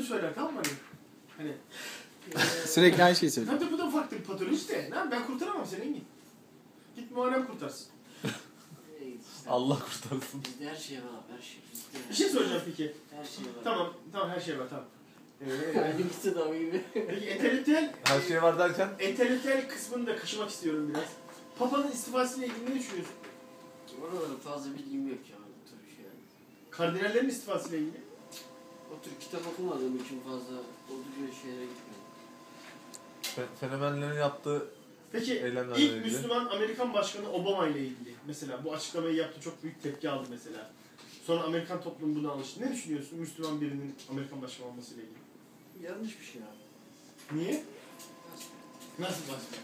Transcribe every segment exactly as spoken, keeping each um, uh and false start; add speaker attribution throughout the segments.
Speaker 1: söyler, tamam mı? Hani
Speaker 2: Sürekli aynı şeyi söylüyor.
Speaker 1: tabii bu da farklı bir patoloji de. Lan ben kurtaramam seni Engin. Git muharrem kurtarsın.
Speaker 3: Allah kurtarsın.
Speaker 4: Bizde her şey var abi, her şey. Bizde
Speaker 1: Bir şey soracağım peki.
Speaker 4: her şey var.
Speaker 1: Tamam, tamam her şey var tamam.
Speaker 4: Benimkisi de o gibi.
Speaker 1: Peki entelektüel,
Speaker 3: Her şey var derken?
Speaker 1: entelektüel kısmını da kaşımak istiyorum biraz. Papa'nın istifasıyla ilgili ne düşünüyorsun?
Speaker 4: Oralarda fazla bilgim yok ya. Bu tür şey.
Speaker 1: Kardinallerin istifasıyla ilgili.
Speaker 4: O tür kitap okumadığım için fazla o tür şeylere gitmiyorum.
Speaker 3: Fe- fenomenlerin yaptığı
Speaker 1: Peki
Speaker 3: eylemlerle
Speaker 1: ilk
Speaker 3: ilgili.
Speaker 1: Müslüman Amerikan Başkanı Obama ile ilgili mesela bu açıklamayı yaptı, çok büyük tepki aldı mesela. Sonra Amerikan toplumu buna alıştı. Ne düşünüyorsun Müslüman birinin Amerikan Başkanı olmasıyla ilgili?
Speaker 4: Yanlış bir şey abi.
Speaker 1: Niye? Nasıl başkan?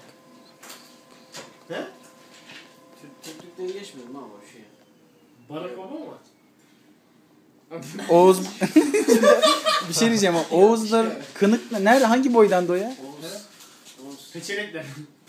Speaker 1: He?
Speaker 4: Türk, Türklükten geçmiyorum abi o şeye.
Speaker 1: Barack Obama mı?
Speaker 2: Oğuz... bir şey diyeceğim ama Oğuzlar kınık mı? Nerede? Hangi boydan o ya?
Speaker 4: Oğuz. Oğuz.
Speaker 1: Peçenekler.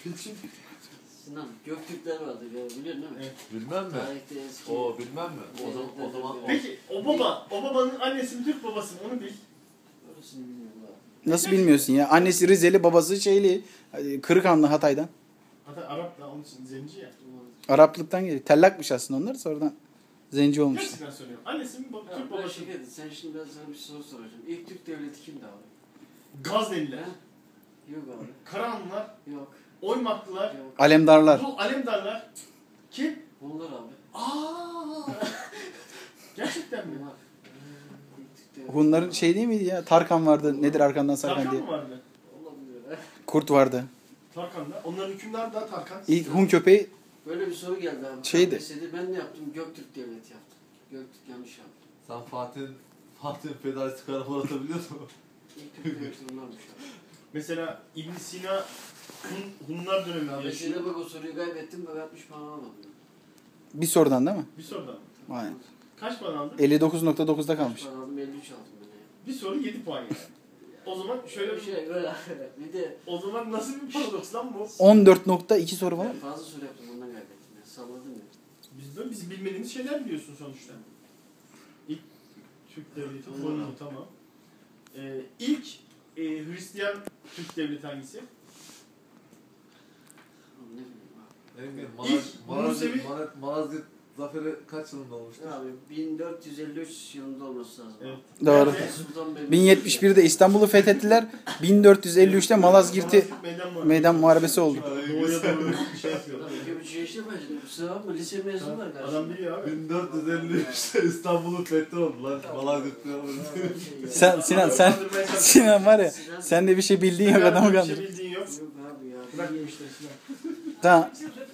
Speaker 4: Sinan, Göktürkler vardı ya, biliyorsun değil mi?
Speaker 1: Evet.
Speaker 3: Bilmem mi?
Speaker 4: Tarihte eski.
Speaker 3: O bilmem mi? O zaman o zaman o.
Speaker 1: Peki o baba, o babanın annesi mi Türk babası mı onu bil.
Speaker 4: Orasını bilmiyorum abi.
Speaker 2: Nasıl bilmiyorsun ya? Annesi Rizeli, babası şeyli. Kırıkhanlı Hatay'dan.
Speaker 1: Hatta Arap da onun için zenci ya.
Speaker 2: Araplıktan geliyor. Tellakmış aslında onlar, sonradan zenci olmuş.
Speaker 1: Gerçekten söylüyorum. Annesi mi bab-
Speaker 4: Ya
Speaker 1: Türk
Speaker 4: ben
Speaker 1: babası mı?
Speaker 4: şaka ettim. Sen şimdi ben sana bir soru soracağım. İlk Türk devleti kimdi abi?
Speaker 1: Gazneliler,
Speaker 4: He? Yok abi.
Speaker 1: Karahanlılar,
Speaker 4: Yok.
Speaker 1: Oymaklılar,
Speaker 4: Yok.
Speaker 2: Alemdarlar.
Speaker 1: bu Alemdarlar. Kim?
Speaker 4: Onlar abi.
Speaker 1: Aa! Gerçekten mi?
Speaker 4: Onlar. İlk Türk devleti.
Speaker 2: Hunların şey değil miydi ya? Tarkan vardı. Nedir arkandan Sarkan
Speaker 1: Tarkan
Speaker 2: diye.
Speaker 1: mı vardı?
Speaker 4: Olabilir ha.
Speaker 2: Kurt vardı.
Speaker 1: Tarkan'da. Onların hükümdarı da Tarkan.
Speaker 2: İlk Hun köpeği
Speaker 4: Böyle bir soru geldi abi.
Speaker 2: Şeydi.
Speaker 4: K P S S'de ben ne yaptım? Göktürk devleti yaptım. Göktürk yanlış yaptı.
Speaker 3: Sen Fatih'in Fatih'in fedaisi karakola atabiliyor musun?
Speaker 4: İlk Türk devleti bunlarmış abi.
Speaker 1: Mesela İbn Sina Hun, Hunlar döneminde
Speaker 4: K P
Speaker 1: yaşıyor.
Speaker 4: S'de bak o soruyu kaybettim. Bak altmış puan alamadım.
Speaker 2: bir sorudan değil mi?
Speaker 1: Bir sorudan.
Speaker 2: Aynen.
Speaker 1: Kaç puan aldın?
Speaker 2: elli dokuz nokta dokuzda
Speaker 4: Kaç
Speaker 2: kalmış.
Speaker 4: puan aldım? elli üç aldım ben ya.
Speaker 1: Bir soru yedi puan yani. O zaman şöyle
Speaker 4: Bir
Speaker 1: bir
Speaker 4: şey böyle. Bir de
Speaker 1: O zaman nasıl bir paradoks lan bu?
Speaker 2: on dört nokta iki soru falan.
Speaker 4: ben fazla soru yaptım ondan kaybettim ya. Salladım ya.
Speaker 1: Biz böyle biz bilmediğimiz şeyler biliyorsun sonuçta. İlk Türk devleti kuruldu tamam. Ee, ilk e, Hristiyan Türk devleti hangisi?
Speaker 4: Ne bileyim abi.
Speaker 3: Engin,
Speaker 1: İlk
Speaker 3: Malaz,
Speaker 1: Musevi-
Speaker 3: Malazgirt, Malazgirt zaferi kaç yılında olmuştu?
Speaker 4: Abi bin dört yüz elli üç yılında olması lazım.
Speaker 1: Evet.
Speaker 2: Doğru.
Speaker 1: Nerede?
Speaker 4: Sultan Beyazıt.
Speaker 2: bin yetmiş birde İstanbul'u fethettiler. bin dört yüz elli üçte Malazgirt'i
Speaker 1: Malazgirt Meydan Muharebesi.
Speaker 2: meydan muharebesi oldu.
Speaker 1: Doğuya doğru bir şey yapıyor.
Speaker 4: Tabii iki buçuk yaşta başladım. Kusura bakma lise mezunu var karşımda.
Speaker 1: Adam biliyor abi.
Speaker 3: bin dört yüz elli üçte İstanbul'un fethi oldu lan. Malazgirt'te oldu.
Speaker 2: Sen Sinan sen Sinan var ya, sen de bir şey bildiğin yok adamı
Speaker 1: Bir
Speaker 2: kandır.
Speaker 1: şey bildiğin yok.
Speaker 4: Yok abi ya.
Speaker 1: Bırak bu işleri Sinan.
Speaker 2: Tamam.